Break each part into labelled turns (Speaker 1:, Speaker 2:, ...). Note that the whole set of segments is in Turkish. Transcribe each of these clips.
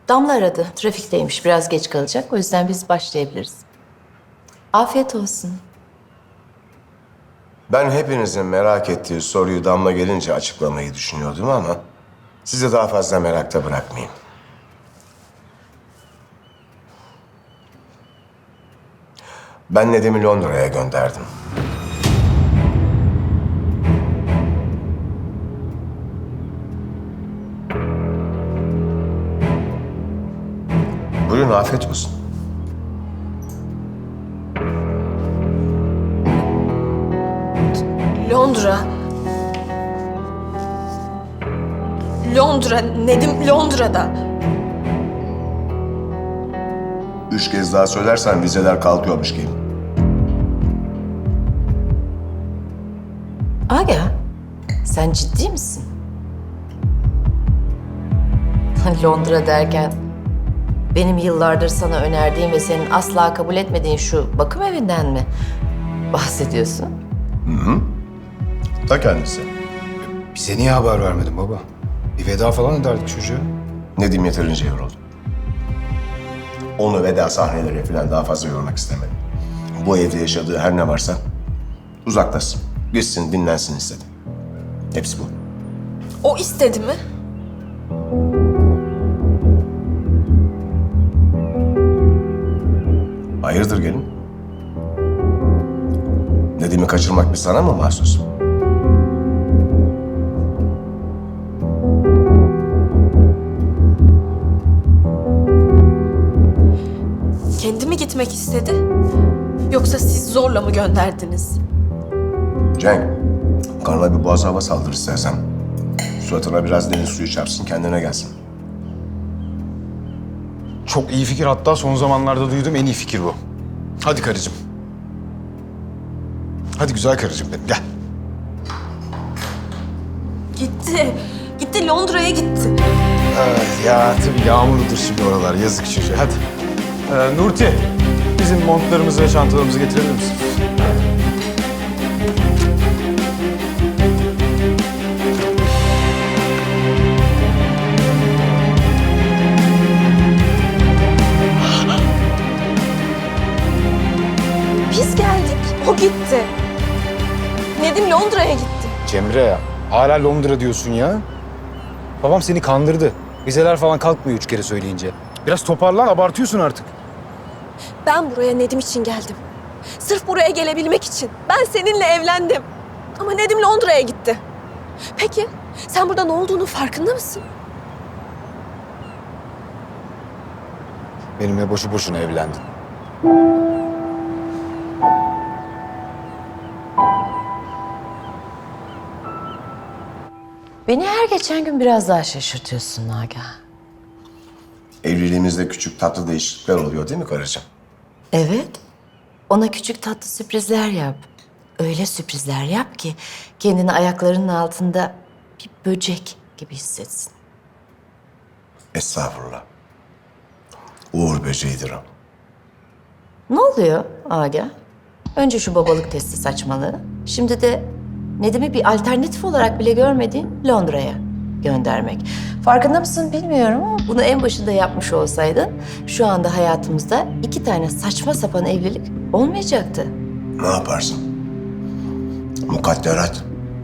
Speaker 1: Damla aradı. Trafikteymiş. Biraz geç kalacak. O yüzden biz başlayabiliriz. Afiyet olsun.
Speaker 2: Ben hepinizin merak ettiği soruyu Damla gelince açıklamayı düşünüyordum ama sizi daha fazla merakta bırakmayayım. Ben Nedim'i Londra'ya gönderdim. Buyurun, afiyet olsun.
Speaker 3: Londra. Londra. Nedim Londra'da.
Speaker 2: 3 kez daha söylersen vizeler kalkıyormuş gibi.
Speaker 1: Aga, sen ciddi misin? Londra derken benim yıllardır sana önerdiğim ve senin asla kabul etmediğin şu bakım evinden mi bahsediyorsun?
Speaker 2: Ta kendisi.
Speaker 4: Bize niye haber vermedin baba? Bir veda falan ederdik çocuğa.
Speaker 2: Nedim yeterince yoruldu. Onu veda sahneleri falan daha fazla yormak istemedim. Bu evde yaşadığı her ne varsa uzaklaşsın, gitsin, dinlensin istedim. Hepsi bu.
Speaker 3: O istedi mi?
Speaker 2: Hayırdır gelin? Nedim'i kaçırmak bir sana mı mahsus?
Speaker 3: Kendi mi gitmek istedi? Yoksa siz zorla mı gönderdiniz?
Speaker 2: Cenk, karnına bir boğaz hava saldır istersen. Suratına biraz deniz suyu çarpsın, kendine gelsin.
Speaker 4: Çok iyi fikir, hatta son zamanlarda duyduğum en iyi fikir bu. Hadi karıcığım. Hadi güzel karıcığım benim, gel.
Speaker 3: Gitti. Gitti, Londra'ya gitti.
Speaker 4: Ya tabii yağmurludur şimdi oralar, yazık çocuğa. Hadi. Nurti, bizim montlarımızı ve çantalarımızı getirebilir misin?
Speaker 3: Biz geldik, o gitti. Nedim Londra'ya gitti.
Speaker 4: Cemre ya, hala Londra diyorsun ya. Babam seni kandırdı. Vizeler falan kalkmıyor 3 kere söyleyince. Biraz toparlan, abartıyorsun artık.
Speaker 3: Ben buraya Nedim için geldim. Sırf buraya gelebilmek için. Ben seninle evlendim. Ama Nedim Londra'ya gitti. Peki, sen burada ne olduğunun farkında mısın?
Speaker 4: Benimle boşu boşuna evlendin.
Speaker 1: Beni her geçen gün biraz daha şaşırtıyorsun Naga.
Speaker 2: Evliliğimizde küçük tatlı değişiklikler oluyor değil mi karıcığım?
Speaker 1: Evet. Ona küçük tatlı sürprizler yap. Öyle sürprizler yap ki kendini ayaklarının altında bir böcek gibi hissetsin.
Speaker 2: Estağfurullah. Uğur böceğidir o.
Speaker 1: Ne oluyor Aga? Önce şu babalık testi saçmalığı. Şimdi de Nedim'i bir alternatif olarak bile görmediğin Londra'ya göndermek. Farkında mısın bilmiyorum ama bunu en başında yapmış olsaydın şu anda hayatımızda 2 tane saçma sapan evlilik olmayacaktı.
Speaker 2: Ne yaparsın? Mukadderat.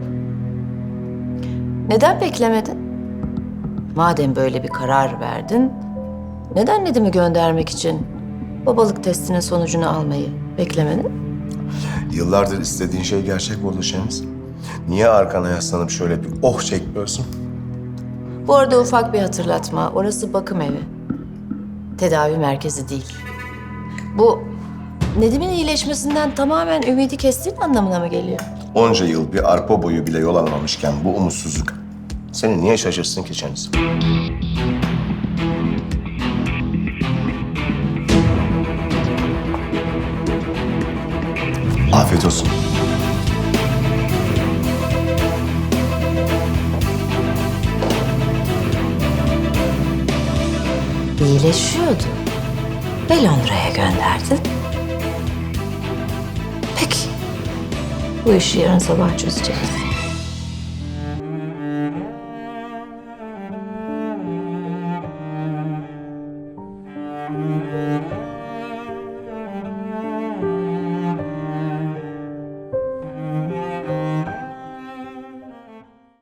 Speaker 1: Neden beklemedin? Madem böyle bir karar verdin, neden Nedim'i göndermek için babalık testinin sonucunu almayı beklemedin?
Speaker 2: Yıllardır istediğin şey gerçek oldu Şeniz. Niye arkana yaslanıp şöyle bir oh çekmiyorsun?
Speaker 1: Bu arada ufak bir hatırlatma, orası bakım evi. Tedavi merkezi değil. Bu Nedim'in iyileşmesinden tamamen ümidi kestiğin anlamına mı geliyor?
Speaker 2: Onca yıl bir arpa boyu bile yol almamışken bu umutsuzluk seni niye şaşırsın ki Şeniz? Afiyet olsun.
Speaker 1: İyileşiyordu ve Londra'ya gönderdin. Peki, bu işi yarın sabah çözeceğiz.